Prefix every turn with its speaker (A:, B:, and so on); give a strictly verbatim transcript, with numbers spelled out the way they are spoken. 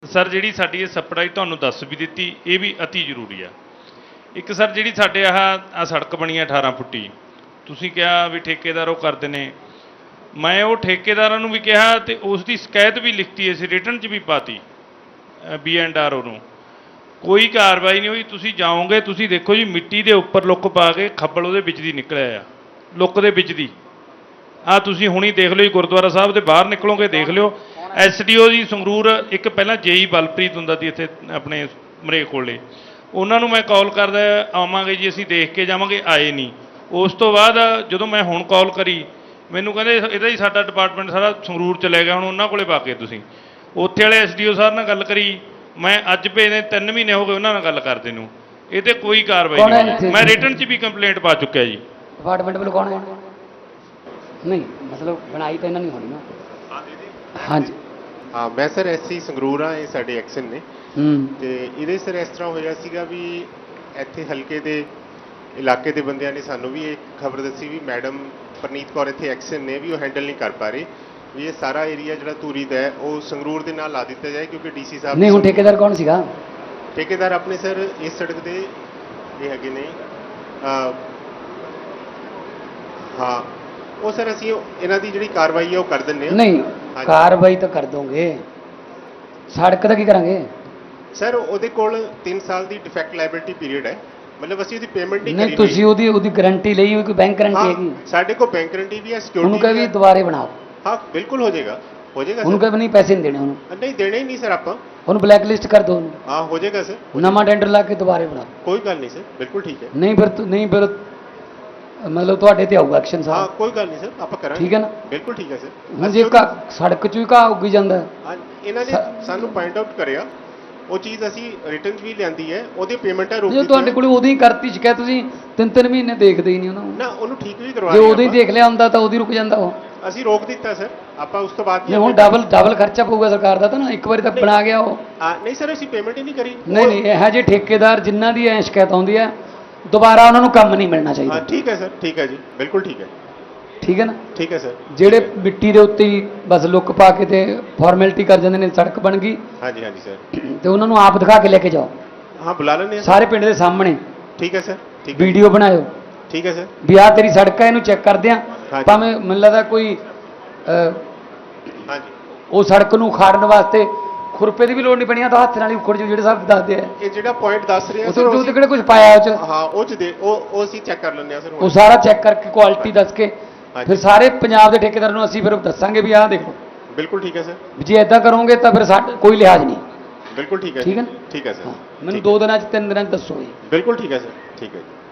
A: Sir ਜਿਹੜੀ ਸਾਡੀ ਇਹ ਸਪਲਾਈ ਤੁਹਾਨੂੰ ਦੱਸ ਵੀ ਦਿੱਤੀ, ਇਹ ਵੀ ਅਤੀ ਜ਼ਰੂਰੀ ਆ। ਇੱਕ ਸਰ ਜਿਹੜੀ ਸਾਡੇ ਆਹ ਆ ਸੜਕ ਬਣੀ ਆ ਅਠਾਰਾਂ ਫੁੱਟੀ, ਤੁਸੀਂ ਕਿਹਾ ਵੀ ਠੇਕੇਦਾਰ ਉਹ ਕਰਦੇ ਨੇ, ਮੈਂ ਉਹ ਠੇਕੇਦਾਰਾਂ ਨੂੰ ਵੀ ਕਿਹਾ ਤੇ ਉਸ ਦੀ ਸ਼ਿਕਾਇਤ ਵੀ ਲਿਖਤੀ ਅਸੀਂ ਰਿਟਨ 'ਚ ਵੀ ਪਾਤੀ ਬੀ ਐਂਡ ਆਰ ਓ ਨੂੰ, ਕੋਈ ਕਾਰਵਾਈ ਨਹੀਂ ਹੋਈ। ਤੁਸੀਂ ਜਾਓਗੇ ਤੁਸੀਂ ਦੇਖੋ ਜੀ ਮਿੱਟੀ ਦੇ ਉੱਪਰ ਲੁੱਕ ਪਾ ਕੇ ਖੱਬਲ ਉਹਦੇ ਵਿੱਚ ਦੀ ਨਿਕਲਿਆ ਆ, ਲੁੱਕ ਦੇ ਵਿੱਚ ਦੀ। ਆਹ ਤੁਸੀਂ ਹੁਣੀ ਦੇਖ ਲਿਓ ਜੀ, ਗੁਰਦੁਆਰਾ ਸਾਹਿਬ ਦੇ ਬਾਹਰ ਨਿਕਲੋਗੇ ਦੇਖ ਲਿਓ। ਐਸ ਡੀ ਓ ਜੀ ਸੰਗਰੂਰ, ਇੱਕ ਪਹਿਲਾਂ ਜੇਈ ਬਲਪ੍ਰੀਤ ਹੁੰਦਾ ਸੀ ਇੱਥੇ ਆਪਣੇ ਮਰੇਕ ਕੋਲੇ, ਉਹਨਾਂ ਨੂੰ ਮੈਂ ਕਾਲ ਕਰਦਾ ਆਵਾਂਗੇ ਜੀ ਅਸੀਂ ਦੇਖ ਕੇ ਜਾਵਾਂਗੇ, ਆਏ ਨਹੀਂ। ਉਸ ਤੋਂ ਬਾਅਦ ਜਦੋਂ ਮੈਂ ਹੁਣ ਕਾਲ ਕਰੀ ਮੈਨੂੰ ਕਹਿੰਦੇ ਇਹਦਾ ਹੀ ਸਾਡਾ ਡਿਪਾਰਟਮੈਂਟ ਸਾਰਾ ਸੰਗਰੂਰ ਚਲੇ ਗਿਆ, ਹੁਣ ਉਹਨਾਂ ਕੋਲੇ ਪਾ ਕੇ ਤੁਸੀਂ। ਉੱਥੇ ਵਾਲੇ ਐਸ ਡੀ ਓ ਸਾਹਿਬ ਨਾਲ ਗੱਲ ਕਰੀ, ਮੈਂ ਅੱਜ ਭੇਜਦੇ ਤਿੰਨ ਮਹੀਨੇ ਹੋ ਗਏ ਉਹਨਾਂ ਨਾਲ ਗੱਲ ਕਰਦੇ ਨੂੰ, ਇਹ ਤੇ ਕੋਈ ਕਾਰਵਾਈ ਨਹੀਂ। ਮੈਂ ਰਿਟਨ 'ਚ ਵੀ ਕੰਪਲੇਂਟ ਪਾ ਚੁੱਕਿਆ ਜੀ।
B: ਡਿਪਾਰਟਮੈਂਟ ਵੱਲੋਂ ਕੌਣ ਹੈ? ਨਹੀਂ ਮਤਲਬ ਬਣਾਈ ਤਾਂ ਇਹਨਾਂ ਨਹੀਂ ਹੋਣੀ ਨਾ। ਹਾਂਜੀ
C: ਹਾਂ, ਮੈਂ ਸਰ ਐਸਸੀ ਸੰਗਰੂਰ ਆ, ਇਹ ਸਾਡੇ ਐਕਸ਼ਨ ਨੇ।
B: ਹੂੰ
C: ਤੇ ਇਹਦੇ ਸਰ ਇਸ ਤਰ੍ਹਾਂ ਹੋਇਆ ਸੀਗਾ ਵੀ ਇੱਥੇ ਹਲਕੇ ਦੇ ਇਲਾਕੇ ਦੇ ਬੰਦਿਆਂ ਨੇ ਸਾਨੂੰ ਵੀ ਇਹ ਖਬਰ ਦੱਸੀ ਵੀ ਮੈਡਮ ਪਰਨੀਤ ਕੌਰ ਇੱਥੇ ਐਕਸ਼ਨ ਨੇ ਵੀ ਉਹ ਹੈਂਡਲ ਨਹੀਂ ਕਰ ਪਾ ਰਹੇ, ਵੀ ਇਹ ਸਾਰਾ ਏਰੀਆ ਜਿਹੜਾ ਧੂਰੀ ਦਾ ਹੈ ਉਹ ਸੰਗਰੂਰ ਦੇ ਨਾਲ ਲਾ ਦਿੱਤਾ ਜਾਏ, ਕਿਉਂਕਿ ਡੀਸੀ ਸਾਹਿਬ
B: ਨਹੀਂ। ਹੁਣ ਠੇਕੇਦਾਰ ਕੌਣ ਸੀਗਾ?
C: ਠੇਕੇਦਾਰ ਆਪਣੇ ਸਰ ਇਸ ਸੜਕ ਦੇ ਇਹ ਹੈਗੇ ਨੇ, ਹਾਂ ਉਹ ਸਰ ਅਸੀਂ ਇਹਨਾਂ ਦੀ ਜਿਹੜੀ ਕਾਰਵਾਈ ਹੈ ਉਹ ਕਰ ਦਿੰਦੇ ਹਾਂ।
B: ਨਹੀਂ ਕਾਰਵਾਈ ਤਾਂ ਕਰ ਦੋਗੇ, ਸੜਕ ਦਾ ਕੀ ਕਰਾਂਗੇ?
C: ਸਰ ਉਹਦੇ ਕੋਲ ਤਿੰਨ ਸਾਲ ਦੀ ਡਿਫੈਕਟ ਲਾਇਬਿਲਿਟੀ ਪੀਰੀਅਡ ਹੈ, ਮਤਲਬ ਅਸੀਂ ਉਹਦੀ ਪੇਮੈਂਟ ਨਹੀਂ ਕਰੀ।
B: ਨਹੀਂ ਤੁਸੀਂ ਉਹਦੀ ਉਹਦੀ ਗਾਰੰਟੀ ਲਈ ਹੋਈ, ਕੋਈ ਬੈਂਕ ਗਾਰੰਟੀ ਹੈਗੀ?
C: ਸਾਡੇ ਕੋਲ ਬੈਂਕ ਗਾਰੰਟੀ ਵੀ ਹੈ, ਸਿਕਿਉਰਿਟੀ
B: ਉਹਨੂੰ ਕਹੇ ਵੀ ਦੁਬਾਰੇ ਬਣਾਓ।
C: ਹਾਂ ਬਿਲਕੁਲ ਹੋ ਜਾਏਗਾ, ਹੋ ਜਾਏਗਾ।
B: ਉਹਨੂੰ ਕਹੇ ਵੀ ਨਹੀਂ ਪੈਸੇ ਨਹੀਂ ਦੇਣੇ ਉਹਨੂੰ।
C: ਨਹੀਂ ਦੇਣੇ ਹੀ ਨਹੀਂ ਸਰ ਆਪਾਂ,
B: ਉਹਨੂੰ ਬਲੈਕ ਲਿਸਟ ਕਰ ਦਿਓ ਉਹਨੂੰ।
C: ਹਾਂ ਹੋ ਜਾਏਗਾ ਸਰ,
B: ਨਵਾਂ ਟੈਂਡਰ ਲਾ ਕੇ ਦੁਬਾਰੇ ਬਣਾਓ।
C: ਕੋਈ ਗੱਲ ਨਹੀਂ ਸਰ, ਬਿਲਕੁਲ ਠੀਕ ਹੈ।
B: ਨਹੀਂ ਫਿਰ ਤੁ- ਨਹੀਂ ਫਿਰ ਮਤਲਬ ਤੁਹਾਡੇ ਤੇ ਆਊਗਾ ਐਕਸ਼ਨ
C: ਹਾਂ
B: ਸਾਹਿਬ।
C: ਕੋਈ ਗੱਲ ਨਹੀਂ ਸਰ, ਆਪਾਂ ਕਰਾਂਗੇ।
B: ਠੀਕ ਹੈ ਨਾ?
C: ਬਿਲਕੁਲ ਠੀਕ ਹੈ ਸਰ।
B: ਹੁਣ ਜੇ ਘਾਹ ਸੜਕ 'ਚ ਵੀ ਘਾਹ ਉੱਗੀ ਜਾਂਦਾ ਹੈ,
C: ਹਾਂ ਇਹਨਾਂ ਨੇ ਸਾਨੂੰ ਪੁਆਇੰਟ ਆਊਟ ਕਰਿਆ, ਉਹ ਚੀਜ਼ ਅਸੀਂ ਰਿਟਰਨ ਵੀ ਲਿਆਂਦੀ ਹੈ, ਉਹਦੀ ਪੇਮੈਂਟਾਂ ਰੋਕ
B: ਜੇ ਤੁਹਾਡੇ ਕੋਲ ਉਦੋਂ ਹੀ ਕਰਤੀ ਸ਼ਿਕਾਇਤ, ਤੁਸੀਂ ਤਿੰਨ ਤਿੰਨ ਮਹੀਨੇ ਦੇਖਦੇ ਹੀ ਨਹੀਂ ਉਹਨਾਂ ਨੂੰ।
C: ਨਾ ਉਹਨੂੰ ਠੀਕ ਵੀ ਕਰਵਾ
B: ਜੇ
C: ਲਿਆ
B: ਉਦੋਂ ਹੀ
C: ਆਪਾਂ।
B: ਦੇਖ ਲਿਆ ਹੁੰਦਾ ਤਾਂ ਉਦੋਂ ਹੀ ਰੁਕ ਜਾਂਦਾ ਉਹ।
C: ਅਸੀਂ ਰੋਕ ਦਿੱਤਾ ਸਰ, ਆਪਾਂ ਉਸ ਤੋਂ ਬਾਅਦ
B: ਜੇ ਹੁਣ ਡਬਲ ਡਬਲ ਖਰਚਾ ਪਊਗਾ ਸਰਕਾਰ ਦਾ ਤਾਂ ਨਾ, ਇੱਕ ਵਾਰੀ ਤਾਂ ਬਣਾ ਗਿਆ ਉਹ।
C: ਹਾਂ ਨਹੀਂ ਸਰ ਅਸੀਂ ਪੇਮੈਂਟ ਹੀ ਨਹੀਂ ਕਰੀ।
B: ਨਹੀਂ ਨਹੀਂ ਇਹੋ ਜਿਹੇ ਠੇਕੇਦਾਰ ਜਿਨ੍ਹਾਂ ਦੀ ਐ ਸ਼ਿਕਾਇਤ ਆਉਂਦੀ ਹੈ, ਦੁਬਾਰਾ ਉਹਨਾਂ ਨੂੰ ਕੰਮ ਨਹੀਂ ਮਿਲਣਾ
C: ਹਾਂ
B: ਚਾਹੀਦਾ।
C: ਠੀਕ ਹੈ ਸਰ, ਠੀਕ ਹੈ ਜੀ, ਬਿਲਕੁਲ ਠੀਕ ਹੈ।
B: ਠੀਕ ਹੈ ਨਾ?
C: ਠੀਕ ਹੈ ਸਰ।
B: ਜਿਹੜੇ ਮਿੱਟੀ ਦੇ ਉੱਤੇ ਹੀ ਬਸ ਲੁੱਕ ਪਾ ਕੇ ਤੇ ਫਾਰਮੈਲਿਟੀ ਕਰ ਜਾਂਦੇ ਨੇ, ਸੜਕ ਬਣ ਗਈ
C: ਹਾਂਜੀ ਹਾਂਜੀ ਸਰ,
B: ਤੇ ਉਹਨਾਂ ਨੂੰ ਆਪ ਦਿਖਾ ਕੇ ਲੈ ਕੇ ਜਾਓ
C: ਹਾਂ ਬੁਲਾ ਲੈਂਦੇ ਹਾਂ
B: ਸਾਰੇ ਪਿੰਡ ਦੇ ਸਾਹਮਣੇ।
C: ਠੀਕ ਹੈ ਸਰ, ਠੀਕ ਹੈ
B: ਵੀਡੀਓ ਬਣਾਇਓ
C: ਠੀਕ ਹੈ ਸਰ।
B: ਵੀ ਆਹ ਤੇਰੀ ਸੜਕ ਹੈ, ਇਹਨੂੰ ਚੈੱਕ ਕਰਦੇ ਆ।
C: ਹਾਂਜੀ।
B: ਭਾਵੇਂ ਮੈਨੂੰ ਲੱਗਦਾ ਕੋਈ ਅਹ,
C: ਹਾਂਜੀ
B: ਉਹ ਸੜਕ ਨੂੰ ਉਖਾੜਨ ਵਾਸਤੇ ਖੁਰਪੇ ਦੀ ਵੀ ਲੋੜ ਨਹੀਂ ਪੈਣੀ, ਆ ਤਾਂ ਹੱਥ ਨਾਲ ਹੀ ਉਖੜ ਜੂ, ਜਿਹੜੇ ਸਾਹਿਬ ਦੱਸਦੇ ਆ।
C: ਇਹ ਜਿਹੜਾ ਪੁਆਇੰਟ ਦੱਸ ਰਹੇ ਆ
B: ਉਹ
C: ਸਰ,
B: ਤੋਂ ਕਿਹੜੇ ਕੁਝ ਪਾਇਆ ਉਹ ਚ?
C: ਹਾਂ ਉਹ ਚ ਦੇ ਉਹ ਉਹ ਅਸੀਂ ਚੈੱਕ ਕਰ ਲੈਂਦੇ ਆ ਸਰ।
B: ਉਹ ਸਾਰਾ ਚੈੱਕ ਕਰਕੇ ਕੁਆਲਿਟੀ ਦੱਸ ਕੇ ਫਿਰ ਸਾਰੇ ਪੰਜਾਬ ਦੇ ਠੇਕੇਦਾਰਾਂ ਨੂੰ ਅਸੀਂ ਫਿਰ ਦੱਸਾਂਗੇ ਵੀ ਆਹ ਦੇਖੋ।
C: ਬਿਲਕੁਲ ਠੀਕ ਹੈ ਸਰ।
B: ਜੇ ਇਦਾਂ ਕਰੋਗੇ ਤਾਂ ਫਿਰ ਸਾਡਾ ਕੋਈ ਲਿਹਾਜ਼ ਨਹੀਂ।
C: ਬਿਲਕੁਲ ਠੀਕ ਹੈ।
B: ਠੀਕ ਹੈ ਨਾ?
C: ਠੀਕ ਹੈ ਸਰ।
B: ਮੈਨੂੰ ਦੋ ਦਿਨਾਂ ਚ ਤਿੰਨ ਦਿਨਾਂ ਚ ਦੱਸੋ ਜੀ।
C: ਬਿਲਕੁਲ ਠੀਕ ਹੈ ਸਰ, ਠੀਕ ਹੈ ਜੀ।